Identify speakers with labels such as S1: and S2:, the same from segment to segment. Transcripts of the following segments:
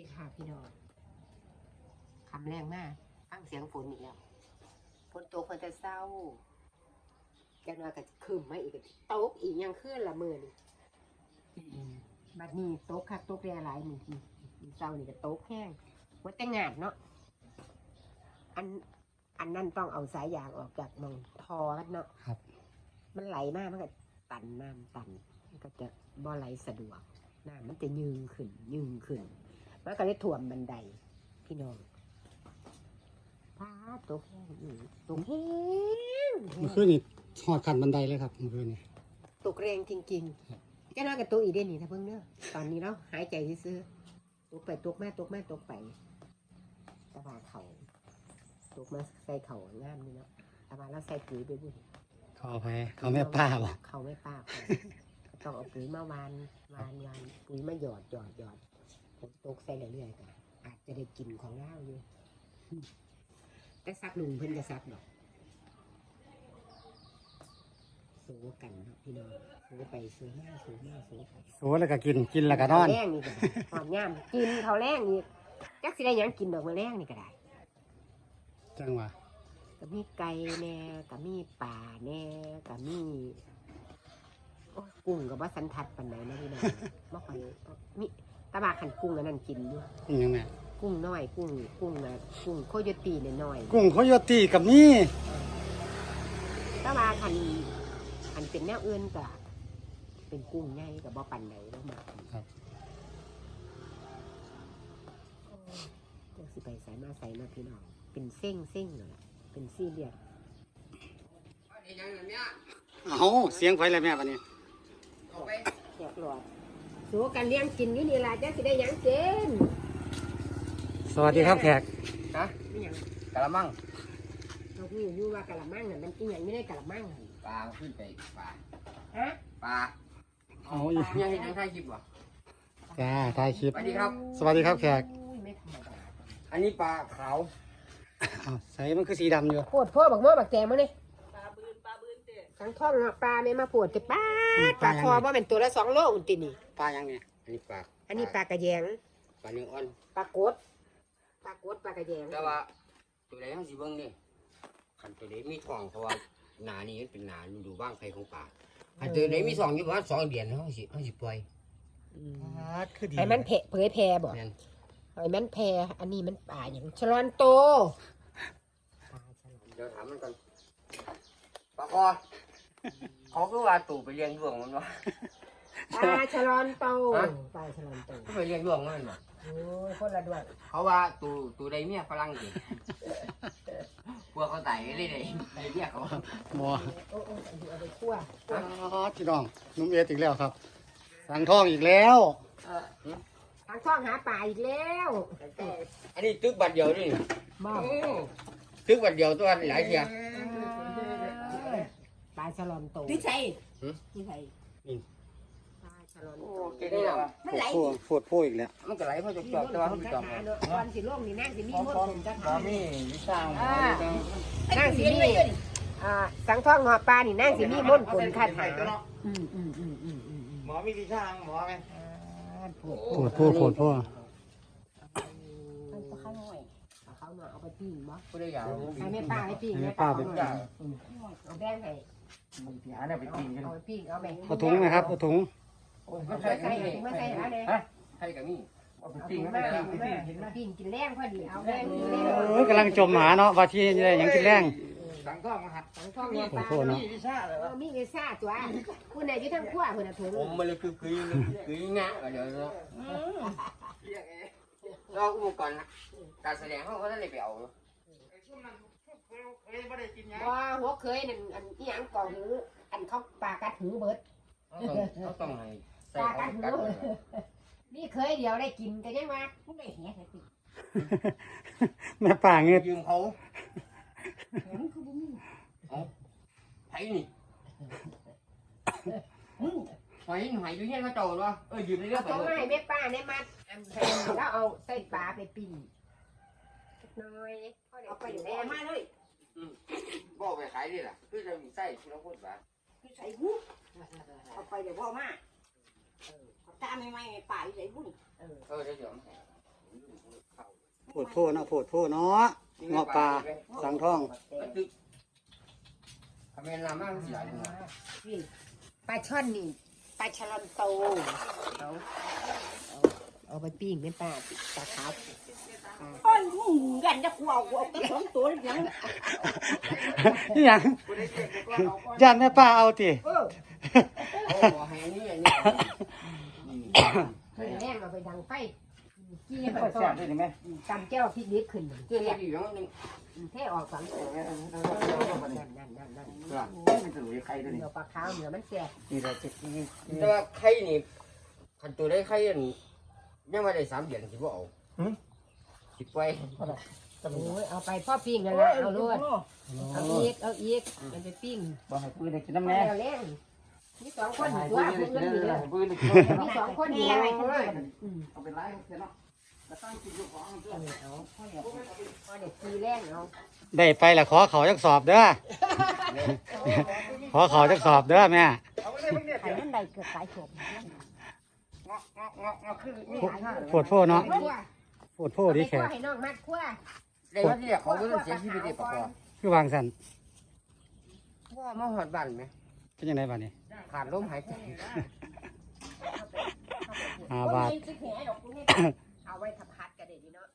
S1: ค่ะพี่น้องคำแรงมากฟังเสียงฝนอีกแล้วฝนตกคนจะเศร้าจังหวะก็คืมมาอีกตกอีกยังขึ้นละมือนี่บัดนี้ตกคักตกแร่หลายนี่เศร้านี่ก็ตกแห้งว่าแต่งานเนาะอันนั้นต้องเอาสายยางออกจากมองทอกันเนาะ
S2: ครับ
S1: มันไหลมากมันก็ตันน้ำตันมันก็จะบ่ไหลสะดวกน้ำมันจะยืงขึ้นมันก็เลยท่วมบันไดพี่น้องพาตกแห้งตกแห้ง
S2: เมื่อคืนนี่หอดขันบันไดเลยครับเมื่อคืนนี่
S1: ตกแรงจริงๆแค่นั้นกับตัวอีเดนนี่ถ้าเพิ่งเนาะตอนนี้เราหายใจซื้อตกไปตกมาตกไปตะบาเขาตกมาใส่เขางามนี่เนาะตะบาแล้วใส่ปุ๋ยไปบุญ
S2: เขาเอาไปเขาแม่ป้าบ่
S1: เขาไม่ป้าต้องเอาปุ๋ยมาวานปุ๋ยมาหยอดผมตกใส่เรื่อยๆกันอาจจะได้กินของเล่าอยู่แต่ซักลุงเพิ่นจะซักดอกสู้กันเนาะพี่น้องสู้ไปสู้มาสู้ไป
S2: โอ้แล้วก็กินแล้วก็นอน
S1: แรงนี่ก็หอมย่ำกินเขาแรงนี่จักสิได้ยังกินดอกมะแรงนี่ก็ได้
S2: จังหวะ
S1: ก็มีไก่แน่ก็มีป่าแน่ก็มีกุ้งกับว่าสันทัดปันไหนนะพี่น้องบ่ค่อยมีตะบาขันกุ้งอันนั้นกินอยู่
S2: ยังไง
S1: กุ้งน้อยกุ้งโคโยตีน้อย
S2: กุ้งโคโยตีกับนี่
S1: ตะบาขันเป็นแนวอื่นก็เป็นกุ้งใหญ่กับบ่ปันไหนแล้วมา
S2: ครับ
S1: จังสิไปใส่มาพี่น้องเป็นเส้งเลยเป็นซี่เลียด
S2: เอาเสียงไฟอะไรแม่ปะนี่
S1: แขกหลอดสู้กันเลี้ยงกินอยู่นี่ล่ะจังสิได้ยังเจน
S2: สวัสดีครับแขก
S1: ฮะนี่ยัง
S3: กะละมัง
S1: เราพูดอยู่ว่ากะละมังน่ะมันกินอย่างไม่ได้กะละมัง
S3: ปลาขึ้นไปปลา
S1: ฮะ
S3: ปลา
S2: เอา
S3: ยังเห็นยังถ่ายคลิปวะ
S2: จ้าถ่ายคลิป
S3: สวัสดีครับ
S2: สวัสดีครับแขก
S1: ไม่ธรรมดา
S3: อันนี้ปลาขาว
S2: ใส่มันคือสีดำอยู่
S1: ปวดพ่อบักม้อบักแกมาเลยปลาบืนเตะทั้งท้องเนาะปลาไม่มาปวดแต่ปลาคอว่าเป็นตัวละ2 โลอุ่นตินี่
S2: ปลายังไง
S3: อันนี้ปลาก
S1: ระแยง
S3: ปลาเนื้ออ่อน
S1: ปลากดปลากระแยง
S3: แต่ว่าตัวไหนเขาสิเบิ้งนี่ขันตัวไหนมีทองเพราะว่าหนานี่เป็นหนาดูบ้างใครของปลาขันตัวไหนมีทองอยู่ว่า2 เดือนเขาสิปล่อย
S1: ไอ้มันเผยแพร่บ่ไอ้มันแพร่อันนี้มันป่าอย่างชะลอนโต
S3: เดี๋ยวถามมันก่อนปลาคอเขาคือว่าตู่ไปเลี้ยงดวงมันวะ
S1: ปลาชะลอนโตปลาชะลอนโต
S3: เขาไปเลี้ยงดวงมันวะ
S1: โอ้ยคนละดวง
S3: เขาว่าตู่ใดเมียฝรั่งดิพวกเขาไต่เลยเรียกเขา
S2: บัว
S1: โอ้เอาไปคั่ว
S2: พี่น้องนุ่มเอสอีกแล้วครับสังทองอีกแล้ว
S1: ทางช่องหาป่าอีกแล้ว
S3: อันนี้ตึกบัตรเดียวนี่
S1: บ้า
S3: ตึกบัตรเดียวตัวหลายเทีย
S1: ปลาฉลอมโต
S4: ที่ใช่ที่ใช่
S1: ปลาฉลอมโต
S3: เก่งเลยว่ะ
S2: มันไหลโฟดอีกแล้ว
S3: มันก็ไหลเพราะจอบแต่ว่าเขาไปจอบ
S1: ตอนสิโลกนี่นั่งสิมีมดผมจะ
S3: ทำมีวิชา
S1: นั่งสิมีสังท่องหอปลานี่นั่งสิมีมดผลคาถา
S3: หมอมีวิชาหมอไหม
S2: โฟด
S1: เขาหน่อยเอาไปปิ้งมั้ง
S3: ผู้ได้ยาว
S1: ให้แม่ป้าให้ปิ้ง
S2: แม่ป้าไป
S1: เอาแดงให้
S3: พี่หาเนี่ยไปปิ้งกัน
S1: เอาไปปิ้งเอาไป
S2: เอาถุงนะครับเอาถุง
S1: ไม่ใส่อะไร
S3: ให้กับนี่
S1: เอาไปปิ้งปิ้งกินแรงพอดีเอาแรง
S2: กำลังจมหาเนาะว่าที่ยังกินแรง
S3: สังท่องมาหัด
S1: สังท่องมี
S3: วิชาเลย
S1: มีวิชาตัวคุณไหนอยู่ทั้งขั้วคุณน่ะถุง
S3: ผมมันเลยคืองะเดี๋ยวเราอุปกรณ์การแสดงเขาก็ได้ไปเอา
S1: ว่าหัวเคยนั่นอันนี้ยังก่อหูอันเขาปากัดหูเบิด
S3: เขาต้องให้
S1: ปากัดหูนี่เคยเดียวได้กินกันยังไงไม่ได้แหะสิ
S2: แม่ป่าเงี้ย
S3: ยืมเขาไผ่นี่หอยอยู่เนี่ยเขาโตวะยืมได้เรื่อง
S1: ต้องให้แม่ป้าเนี่ยมาแล้วเอาใส่ปลาไปปิ้งน้อยเอาไปแดงมาเลย
S3: บอกไปขายดิล่ะคือจะมีไส้ที่เราพูดว่า
S4: ที่ใส่หูเอาไปเดี๋ยวพ่อมาตาไม่ป่าที่ใส่หู
S3: เดี๋ยว
S2: ปวดโพเนาะปวดโพเนาะงอปลาสังทอง
S3: ทำไมลามากสิหลายจังวะ
S1: นี่ปลาช่อนนี่ปลาฉลามโตเอาเอาไปปิ้งเป็นปลาขาว
S4: โอ้ยมึงกันจะกูเอาไปสองตัวเลยยัง
S2: นี่หยังย่านแม่ป้าเอาติ
S4: เออ
S3: โอ้โหให้อันนี้อันนี้
S1: เฮ้ยแม่งเอาไปดังไฟกี้
S2: ค่
S1: มั
S2: อย
S1: นก็
S2: แซ่บได้ไหม
S1: จำแก้วพริกนิดขึ้น
S3: เจ้าอยู่อย่างนึง
S1: เท่ออกสังนั่น
S2: มันจะหลุยใครด้วยนี่
S1: เดี๋ยวปลาขาวเนื้อมันแซ่บ
S2: นี่แหละจะกิน
S3: แต่ว่าไข่นี่คันตัวได้ไข่อันยังไม่ได้3 เดือนสิบ่เอาสิปล่อย
S1: โอ้ยเอาไปพ่อปิ้งนั่นแหละเอาลวดเอาอีกมันไปปิ้ง
S2: บ่ให้ปืนได้กินน้ำ
S1: แม่
S2: แน่
S1: เล่นมี2 คนอยู่ตัวเพื่อนอยู่เลย
S2: ปืนได้กิน
S1: มี2 คนอยู่เลย
S2: เอาเป็นไรเสร็จเนาะแล้วตั้งกินอยู่ของ
S1: เอาพอเด็กตีแรงเอา
S2: ได้ไปละขอเขาจักสอบเด้อขอเขาจักสอบเด้อแม่
S4: ไข่มันใดเกิดสายโฉบ
S2: ปวดโพเนาะปวดโพดีแข
S1: คั่ว
S2: ก
S1: ให้น้องมัดคั่ว
S3: ได้ว่าที่เขาบ่ต้องเสียชีวิตได้ปะกอ
S2: คือวางสัน
S3: ว่ามาหอดบ้านไหม
S2: เป็นยังไงบ้านี้
S3: ขาดลมหายใจ
S2: บาท
S1: เอาไว้ถ้าผัดก็ได้ดีเนาะ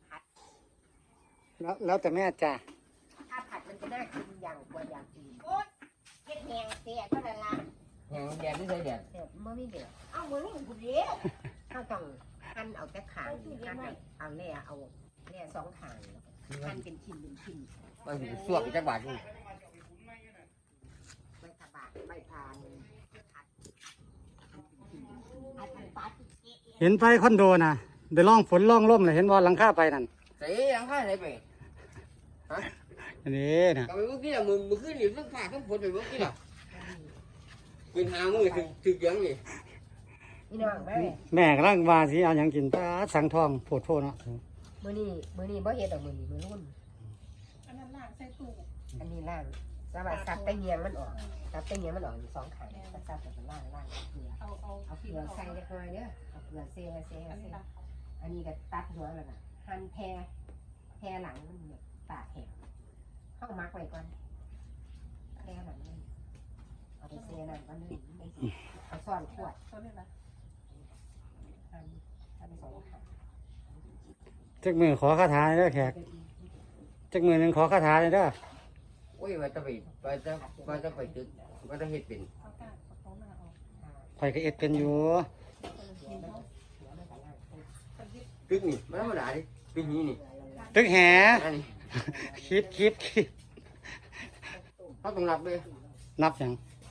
S2: แล้วแต่แม่จ้ะ
S1: ถ้าผัดมันจะน่ากินอย่างกว่าอย่างอื่นโอ๊ยเฮ็ดแหงเสียก็ได้ละ
S3: แห้งแดดไม่ใช่แดด
S1: เสียบ่มีเดือด
S4: เอามือนี่กูเดียว
S1: ถ้าต้องหั่นเอาแต่ขางหั่นเอาแล่เอาแล่2ขางหั่นเป็นชิ้นเป็นชิ้น
S3: มันสิสวกอีกจักบาทนึง
S1: ไว้ทาบากใบพานผัด
S4: ไอ้ปลา
S2: เห็นไปคอนโดน่ะได้ล่องฝนล่องล่มเลยเห็นบอลหลังคาไปนั่น
S3: ใส่ยังค่าไหนไป
S2: อันนี้นะ
S3: ก็ไปเมื่อกี้น่ะมือขึ้นอยู่ทั้งฝาทั้งฝนไปเมื่อกี้น่ะเป็นหามือถึกยังนี่
S1: พี่น้องแม่
S2: แม่กำลังว่าสิเอาหยังกินปลาสังทองโพดโพเนาะ
S1: มื้อนี้บ่เฮ็ดดอกมื้อนี้มื้อรุ่น
S4: อันนั้นล่างใส่ตู้
S1: อันนี้ล่างสวัสดิ์ซับตะเงียงมันออกซับตะเงียงมันออกอยู่2ขางซับแบบล่างเกลือ
S4: เอา
S1: เอาเกลือใส่เล็กน้อยเด้อเอาเกลือเซ่อันนี้ก็ตัดหัวแล้วน่ะหั่นแพรหลังมันแบบตากแห้งเข้ามักไว้ก่อนแพรหลังมันเอาไปเซ่นั่นก็นึ่งเอาซ่อนขวด
S4: ตัวนี้นะ
S1: หั่นไป2ขาง
S2: จักมือขอคาถาเด้อแขกจักมือหนึงขอคาถาเลยเด้อ
S3: โอ้ยว่าจะไปตึกว่าจะเฮ็ดเป็น
S4: เอาก้านเอาหน้าออก
S2: ข่อยก็เอ็ดเป็นอยู่
S3: ตึกนี่มันธรรมดาดิเป็นนี้นี่
S2: ตึกแห
S3: อันนี้
S2: คิด
S3: เขาต้องนับเลย
S2: นับหยัง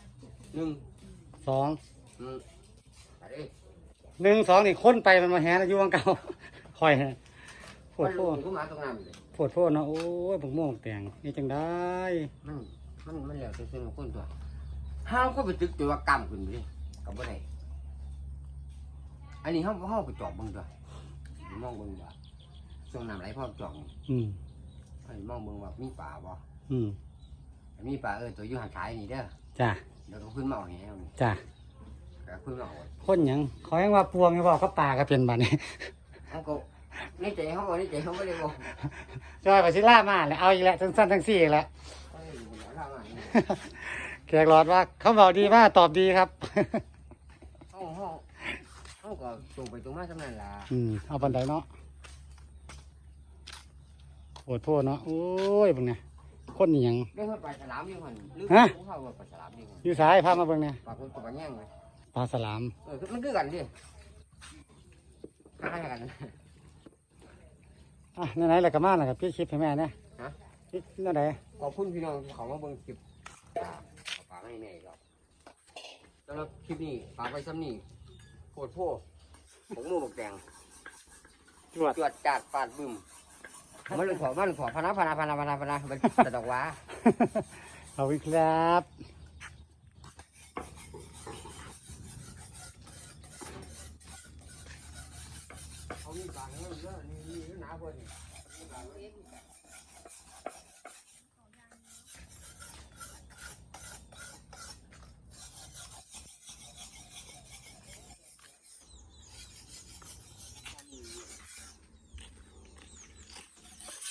S3: 1
S2: 2
S3: อะไร
S2: 1 2นี่ค้นไปมันมาแหนะอยู่วังเก่า ข่อยน่ะโพ
S3: มั
S2: ด
S3: น
S2: โพ
S3: รู้มาตรงนั้นเลย
S2: โพดโพเนาะโอ้ยผมโม่วงแตงนี่จังได้
S3: มันแล้วแต่ส่วนของคนตัวห้ามก็ไปตึกตัวกรรมขึ้นไปเลยกับบ่ได้อันนี้ห้องไปจอบเบิ่งตัวมองเบิ่งว่าช่วงน้ำไหลพอจอบนี่
S2: อืม
S3: ให้มองเบิ่งว่ามีป่าบ่
S2: อืม
S3: มีป่าตัวอยู่ห่างขายนี่เด้อ
S2: จ้ะ
S3: เดี๋ยวก็ขึ้นมาเอาแหวนี่
S2: จ้ะ
S3: ก็ขึ้นมาเอา
S2: คนหยังขอให้ว่าปวงไงบอกเขาป่าก็เป็นบัดนี้
S3: เขาก็ในใจเขาบอกในใจเขาไม่ได้บอก
S2: จอยไปสิล่ามาเลยเอาอีกแล้วทั้งสั้นทั้งสี่อีกแล้ว
S3: เขาอยู่หัวท่ามา
S2: แขกหลอดว่าเขาบอกดีมากตอบดีครับ
S3: เขาก็ตรงไปตรงมาสำนันล่ะ
S2: เอาบันไดเนาะโอดโทษเนาะโอ้ยเบิ่งเนี่ยคนนี่หยัง
S3: เรื่องปลาฉลามอยู่หันหรือ
S2: ฮะ
S3: เขาว่าปลาฉลามอยู่หัน
S2: อยู่สายพามาเบิ่งเนี่ย
S3: ปลาคนกับปลาแง่งเลย
S2: ปลาสลาม
S3: มันคือกันดิคล้ายกัน
S2: อ่ะไหนๆแล้วก็มาแล้วครับพี่คลิปให้แม่เนี่ย
S3: ฮะ
S2: พี่นั่นไหน
S3: ขอบคุณพี่น้องที่เขามาเบิ่งคลิปฝากให้แม่ครับสำหรับคลิปนี้ฝากไว้ซ้ำนี่โคตรโพผมมูบกแดง
S2: จวด
S3: จวดจัดปาดบึ้มมันขอพนามันตะดอกว้า
S2: เอาอีกครับ
S3: เขามีปากเยอะนี่หนาคน